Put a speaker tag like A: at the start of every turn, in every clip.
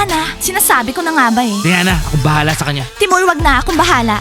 A: Diana, sinasabi ko na nga ba eh.
B: Diana, akong bahala sa kanya.
A: Timur, wag na akong bahala.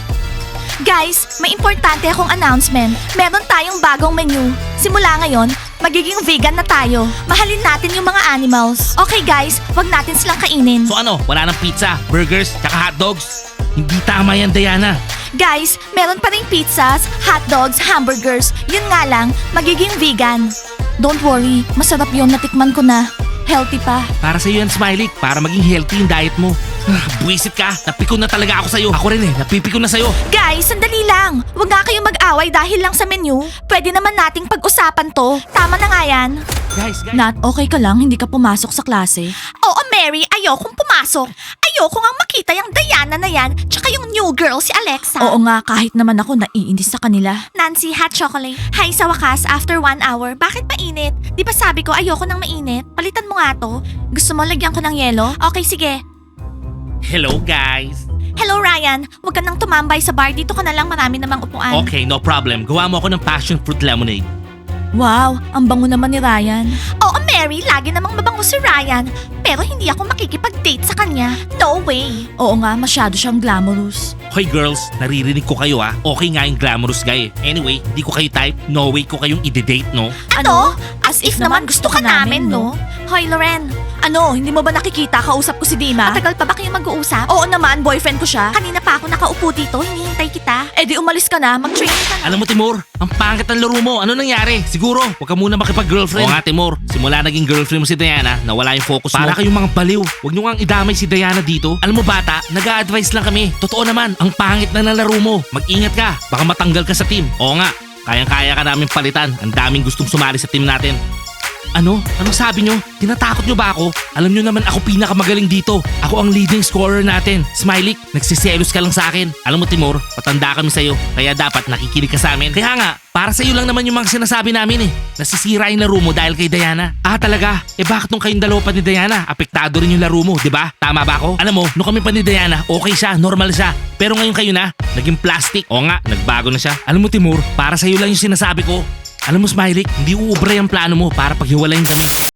A: Guys, may importante akong announcement. Meron tayong bagong menu. Simula ngayon, magiging vegan na tayo. Mahalin natin yung mga animals. Okay guys, wag natin silang kainin.
B: So ano, wala nang pizza, burgers, tsaka hotdogs? Hindi tama yan, Diana.
A: Guys, meron pa ring pizzas, hotdogs, hamburgers. Yun nga lang, magiging vegan. Don't worry, masarap yun, natikman ko na. Healthy pa.
B: Para sa'yo yan, Smiley. Para maging healthy yung diet mo. Buwisit ka. Napikon na talaga ako sa'yo. Ako rin eh. Napipikon na sa'yo.
A: Guys, sandali lang. Huwag nga kayong mag-away dahil lang sa menu. Pwede naman nating pag-usapan to. Tama na nga yan.
B: Guys.
A: Nat, okay ka lang? Hindi ka pumasok sa klase? Oo, Mary. Ayokong pumasok. Ayoko nga makita yung Diana na yan, tsaka yung new girl, si Alexa. Oo nga, kahit naman ako naiinis sa kanila. Nancy, hot chocolate. Hi, sa wakas, after 1 hour. Bakit mainit? Di ba sabi ko ayoko ng mainit? Palitan mo nga to. Gusto mo lagyan ko ng yelo? Okay, sige.
B: Hello, guys.
A: Hello, Ryan. Huwag ka nang tumambay sa bar. Dito ka na lang, marami namang upuan.
B: Okay, no problem. Gawa mo ako ng passion fruit lemonade.
A: Wow, ang bango naman ni Ryan. Oo, Mary, lagi namang mabango si Ryan. Pero hindi ako makikipag-date sa kanya. No way. Oo nga, masyado siyang glamorous.
B: Hoy girls, naririnig ko kayo ah. Okay nga yung glamorous guy. Anyway, di ko kayo type. No way ko kayong ide-date, no?
A: Ano? As if naman gusto ka namin, no? Hoy, Loren. Ano, hindi mo ba nakikita? Kausap ko si Dima. Matagal pa ba kayong mag-uusap? Oo naman, boyfriend ko siya. Kanina pa ako nakaupo dito, hinihintay kita. Eh di umalis ka na, mag-training ka na.
B: Alam mo, Timur, ang pangit ng laro mo. Ano nangyari? Siguro, huwag ka muna makipag-girlfriend. Oo nga, Timur. Simula naging girlfriend mo si Diana, nawala yung focus mo. Para kayong mga baliw. Huwag nyo nga idamay si Diana dito. Alam mo, bata, nag-a-advise lang kami. Totoo naman, ang pangit na ng laro mo. Mag-ingat ka. Baka matanggal ka sa team. Oo nga, kayang-kaya ka namin palitan. Ang daming gustong sumali sa team natin. Ano? Anong sabi nyo? Tinatakot nyo ba ako? Alam nyo naman ako pinakamagaling dito. Ako ang leading scorer natin. Smiley, nagsiselos ka lang sa akin. Alam mo Timur, patanda kami sa'yo. Kaya dapat nakikinig ka sa amin. Kaya nga, para sa'yo lang naman yung mga sinasabi namin eh. Nasisira yung laro mo dahil kay Diana. Ah talaga? Eh bakit nung kayong dalawa pa ni Diana, apektado rin yung laro mo, di ba? Tama ba ako? Alam mo, nung kami pa ni Diana, okay siya, normal siya. Pero ngayon kayo na, naging plastic. O nga, nagbago na siya. Alam mo Timur, para sa'yo lang yung sinasabi ko. Alam mo Smiley, hindi uubra yung plano mo para paghiwalayin kami.